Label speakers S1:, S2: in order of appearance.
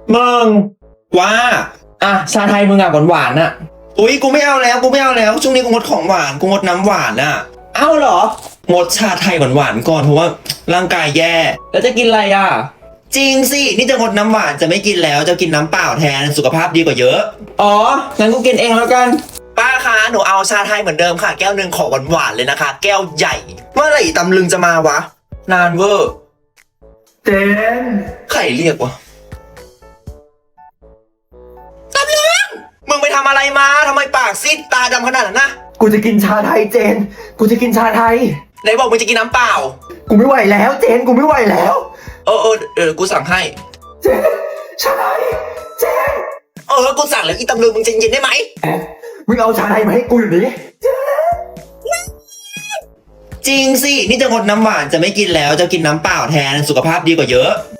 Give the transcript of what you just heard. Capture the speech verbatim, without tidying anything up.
S1: มึง
S2: ว่า
S1: อ่ะชาไทยมึงอ่ะหวานๆน่ะ
S2: อุ้ยกูไม่เอาแล้วกูไม่เอาแล้วช่วงนี้กูงดของหวานกูงดน้ำหวานอ่ะ
S1: เอ้าเหรอ
S2: งดชาไทยหวานๆก่อนเพราะว่าร่างกายแย่
S1: แล้วจะกินอะไรอ่ะ
S2: จริงสินี่จะงดน้ำหวานจะไม่กินแล้วจะกินน้ำเปล่าแทนสุขภาพดีกว่าเยอะ
S1: อ๋องั้นกูกินเองแล้วกัน
S2: ป้าคะหนูเอาชาไทยเหมือนเดิมค่ะแก้วหนึ่งขอหวานๆเลยนะคะแก้วใหญ่เมื่อไหร่ตำลึงจะมาวะนานเวอร์
S1: เจน
S2: ใครเรียกวะตำลึงมึงไปทำอะไรมาทำไมปากซีดตาดำขนาดนั้นนะ
S1: กูจะกินชาไทยเจนกูจะกินชาไทย
S2: ไหนบอกมึงจะกินน้ำเปล่า
S1: กูไม่ไหวแล้วเจนกูไม่ไหวแล้ว
S2: เออเออเออกูสั่งให้
S1: เจนชาไทยเจน
S2: เออกูสั่งแล้วอีตำลึงมึงใจเย็นได้ไหม
S1: มึงเอาชาไทยมาให้กูอยู่นี้
S2: จริงสินี่จะงดน้ำหวานจะไม่กินแล้วจะกินน้ำเปล่าแทนสุขภาพดีกว่าเยอะ